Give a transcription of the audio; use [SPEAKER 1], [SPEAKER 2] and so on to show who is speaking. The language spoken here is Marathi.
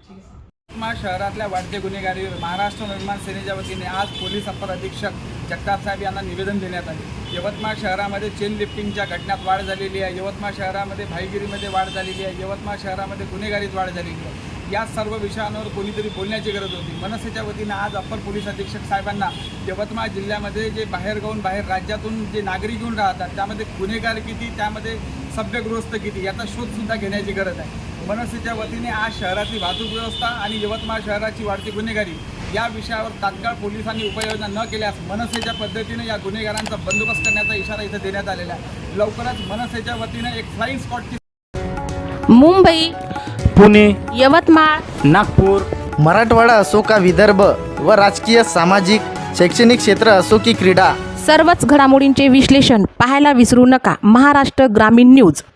[SPEAKER 1] यवतमाळ शहरातल्या वाढत्या गुन्हेगारीवर महाराष्ट्र निर्माण सेनेच्या वतीने आज पोलीस अपर अधीक्षक जगताप साहेब यांना निवेदन देण्यात आले। यवतमाळ शहरामध्ये चेन लिफ्टिंगच्या घटनात वाढ झालेली आहे, यवतमाळ शहरामध्ये भाईगिरीमध्ये वाढ झालेली आहे, यवतमाळ शहरामध्ये गुन्हेगारीत वाढ झालेली आहे। या सर्व विषयांवर कोणीतरी बोलण्याची गरज होती। मनसेच्या वतीनं आज अपर पोलीस अधीक्षक साहेबांना यवतमाळ जिल्ह्यामध्ये जे बाहेर राज्यातून जे नागरिक येऊन राहतात त्यामध्ये गुन्हेगार किती, त्यामध्ये सभ्यगृहस्थ किती याचा शोधसुद्धा घेण्याची गरज आहे। मनसेच्या वतीने आज शहरातली वाहतूक व्यवस्था आणि यवतमाळ शहराची वाढती गुन्हेगारी या विषयावर तात्काळ पोलिसांनी उपाययोजना न केल्यास मनसेच्या पद्धतीने या गुन्हेगारांचा बंदोबस्त करण्याचा इशारा इथं देण्यात आलेला आहे। लवकरच मनसेच्या वतीने एक फ्लाइंग स्क्वॉडची
[SPEAKER 2] मुंबई,
[SPEAKER 3] पुणे,
[SPEAKER 2] यवतमाळ,
[SPEAKER 3] नागपूर,
[SPEAKER 4] मराठवाडा असो का विदर्भ व राजकीय, सामाजिक, शैक्षणिक क्षेत्र असो की क्रीडा,
[SPEAKER 2] सर्वच घडामोडींचे विश्लेषण पाहायला विसरू नका। महाराष्ट्र ग्रामीण न्यूज।